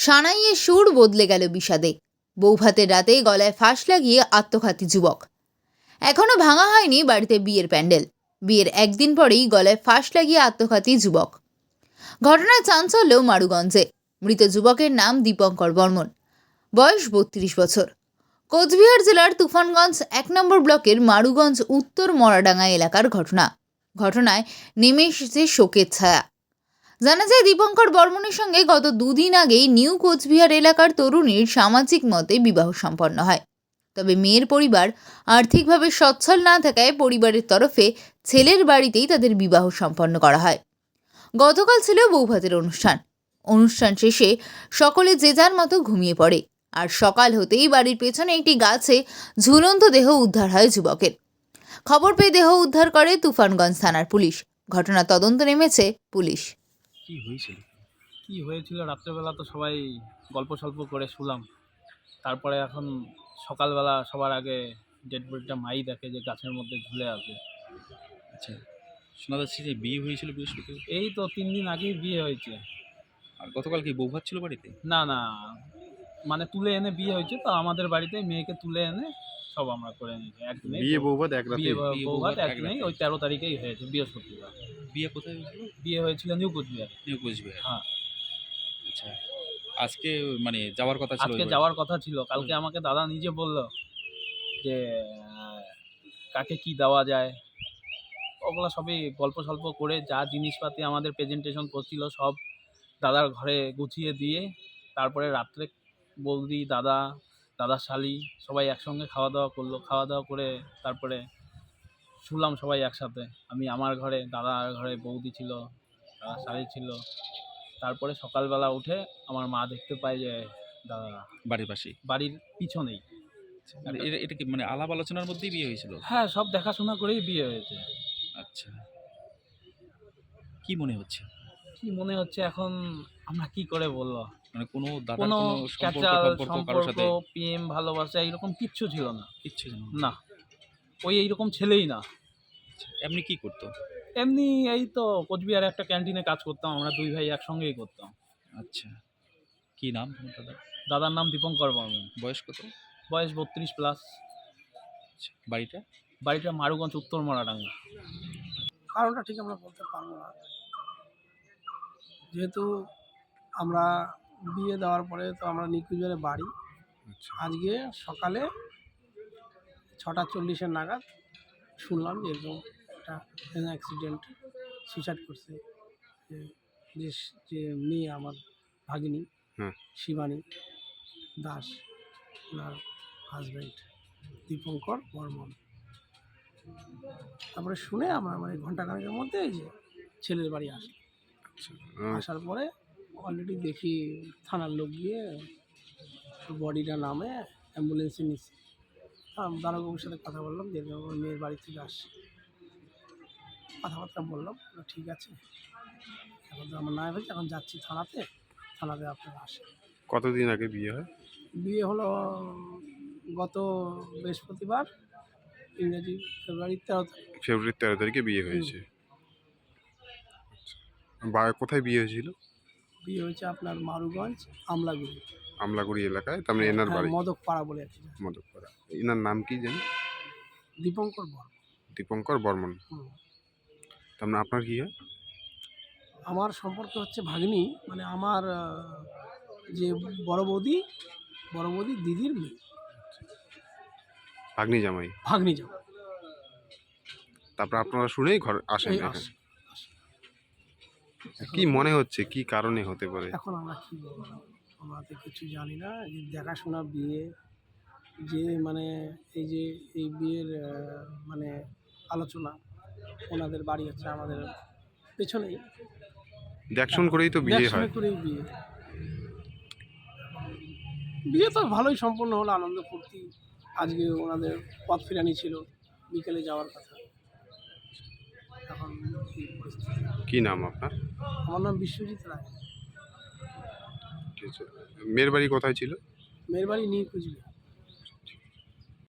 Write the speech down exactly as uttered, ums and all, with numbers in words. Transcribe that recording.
সানাইয়ে সুর বদলে গেল বিষাদে। বৌভাতের রাতে গলায় ফাঁস লাগিয়ে আত্মঘাতী যুবক। এখনো ভাঙা হয়নি বাড়িতে বিয়ের প্যান্ডেল। বিয়ের একদিন পরেই গলায় ফাঁস লাগিয়ে আত্মঘাতী যুবক। ঘটনায় চাঞ্চল্য মারুগঞ্জে। মৃত যুবকের নাম দীপঙ্কর বর্মন, বয়স বত্রিশ বছর। কোচবিহার জেলার তুফানগঞ্জ এক নম্বর ব্লকের মারুগঞ্জ উত্তর মরাডাঙ্গা এলাকার ঘটনা। ঘটনায় নেমে এসেছে শোকের ছায়া। জানা যায়, দীপঙ্কর বর্মনের সঙ্গে গত দুদিন আগেই নিউ কোচবিহার এলাকার তরুণীর সামাজিক মতে বিবাহ সম্পন্ন হয়। তবে মেয়ের পরিবার আর্থিকভাবে সচ্ছল না থাকায় পরিবারের তরফে ছেলের বাড়িতেই তাদের বিবাহ সম্পন্ন করা হয়। গতকাল ছিল বৌভাতের অনুষ্ঠান। অনুষ্ঠান শেষে সকলে যে যার মতো ঘুমিয়ে পড়ে। আর সকাল হতেই বাড়ির পেছনে একটি গাছে ঝুলন্ত দেহ উদ্ধার হয় যুবকের। খবর পেয়ে দেহ উদ্ধার করে তুফানগঞ্জ থানার পুলিশ। ঘটনা তদন্ত নেমেছে পুলিশ। কি হয়েছিল কি হয়েছিল রাত্রেবেলা তো সবাই গল্প সল্প করে শুলাম। তারপরে এখন সকালবেলা সবার আগে ডেড বডিটা মাই দেখে যে গাছের মধ্যে ঝুলে আছে। আচ্ছা, শোনা যাচ্ছে যে বিয়ে হয়েছিল বৃহস্পতি। এই তো তিন দিন আগেই বিয়ে হয়েছে। আর গতকাল কি বৌভাত ছিল বাড়িতে? না না, মানে তুলে এনে বিয়ে হয়েছে তো আমাদের বাড়িতে, মেয়েকে তুলে এনে সব আমরা করে নিয়েছি একদিনে। বিয়ে বৌভাত এক রাতে? বিয়ে বিয়ে বৌভাত বৌভাত এক একদিনেই, রাতে। ওই তেরো তারিখেই হয়েছে বৃহস্পতিবার। বিয়ে কোথায় হয়েছিল? বিয়ে হয়েছিল নিউ কোচবিহার। নিউ কোচবিহার। হ্যাঁ, আচ্ছা, আজকে মানে যাওয়ার কথা ছিল? আজকে ওই যাওয়ার কথা ছিল। কালকে আমাকে দাদা নিজে বলল যে আহ, কাকে কি দেওয়া যায়। ওগুলো সবই গল্প সল্প করে যা জিনিসপাতি আমাদের প্রেজেন্টেশন করছিল সব দাদার ঘরে গুছিয়ে দিয়ে তারপরে রাত্রে বৌদি, দাদা, দাদার শালি সবাই একসঙ্গে খাওয়া দাওয়া করলো। খাওয়া দাওয়া করে তারপরে শুলাম সবাই একসাথে। আমি আমার ঘরে, দাদার ঘরে বৌদি ছিল, দাদার শালি ছিল। তারপরে সকালবেলা উঠে আমার মা দেখতে পায় যে দাদা বাড়ির পাশেই। বাড়ির পিছনেই। আর এটা এটা কি মানে আলাপ আলোচনার মধ্যেই বিয়ে হয়েছিল? হ্যাঁ, সব দেখাশোনা করেই বিয়ে হয়েছে। আচ্ছা, কি মনে হচ্ছে? কি মনে হচ্ছে এখন আমরা কি করে বলবো? মানে কোনো দাদার কোনো কোনো সম্পর্ক ক্যাচাল সম্পর্ক কারোর সম্পর্ক, সাথে প্রেম, ভালোবাসা এরকম কিচ্ছু ছিল না। কিচ্ছু জানো না? না, ওই এইরকম ছেলেই না। এমনি কি করতো? এমনি এই তো কোচবিহারে একটা ক্যান্টিনে কাজ করতাম, আমরা দুই ভাই একসঙ্গেই করতাম। আচ্ছা, কি নাম তোমার দাদা? দাদার নাম দীপঙ্কর বর্মন, বয়স কত? বয়স বত্রিশ প্লাস। আচ্ছা, বাড়িটা? বাড়িটা মারুগঞ্জ উত্তর মরাডাঙ্গা। কারণটা ঠিক আমরা বলতে পারবো না, যেহেতু আমরা বিয়ে দেওয়ার পরে তো আমরা নিকুঞ্জের বাড়ি। আজকে সকালে ছটা চল্লিশের নাগাদ শুনলাম যে এরকম একটা অ্যাক্সিডেন্ট, সুইসাইড করছে যে যে- যে মেয়ে আমার ভাগিনী হুম। শিবানী দাস, ওনার হাজব্যান্ড দীপঙ্কর বর্মন। তারপরে শুনে আমরা মানে ঘন্টাখানেকের মধ্যে এই যে ছেলের বাড়ি আসি। আহ, আসার পরে অলরেডি দেখি থানার লোক গিয়ে বডিটা নামে অ্যাম্বুলেন্সে নিচ্ছে। দারোগাবুর সাথে কথা বললাম যে আমার মেয়ের বাড়ি থেকে আসছে, কথাবার্তা বললাম, বললো, ঠিক আছে এখন তো আমার না হয়েছে, এখন যাচ্ছি থানাতে, থানাতে আপনারা আসেন। কতদিন আগে বিয়ে হয়? বিয়ে হলো গত বৃহস্পতিবার, ইংরেজি ফেব্রুয়ারি তেরো তারিখ। ফেব্রুয়ারির তেরো তারিখে বিয়ে হয়েছে। বা কোথায় বিয়ে হয়েছিল? বিয়ে হয়েছে আপনার মারুগঞ্জ আমলাগুড়ি, আমলাগুড়ি এলাকায়, তার মানে এনার বাড়ি মদক পাড়া বলে আছে। মদকপাড়া। এনার নাম কি জানেন? দীপঙ্কর বর্মন। দীপঙ্কর বর্মন। হুম। তার মানে আপনার কি হয়? আমার সম্পর্ক হচ্ছে ভাগ্নি, মানে আমার আহ, যে বড় বৌদি, বড় বৌদি দিদির মেয়ে, ভাগ্নি জামাই। ভাগ্নি যাও। তারপর আপনারা শুনেই ঘর আসেন এই এখানে। আসে। কি মনে হচ্ছে, কি কারণে হতে পারে? এখন আমরা কি বলবো, আমরা তো কিছু জানি না। যে দেখাশোনা বিয়ে, যে মানে এই যে এই বিয়ের আহ, মানে আলোচনা, ওনাদের বাড়ি হচ্ছে আমাদের পেছনেই, দেখশন করেই তো বিয়ে দেখাশোনা হয়। করেই বিয়ে। বিয়ে তো ভালোই সম্পন্ন হলো, আনন্দ ফুর্তি। আজকে ওনাদের পথ ফেরানি ছিল, বিকেলে যাওয়ার কথা। এখন এই পরিস্থিতি। কি নাম আপনার? আমার নাম বিশ্বজিৎ রায়। ঠিক আছে। মেয়ের বাড়ি কোথায় ছিল? মেয়ের বাড়ি নিয়ে কুচবিহার।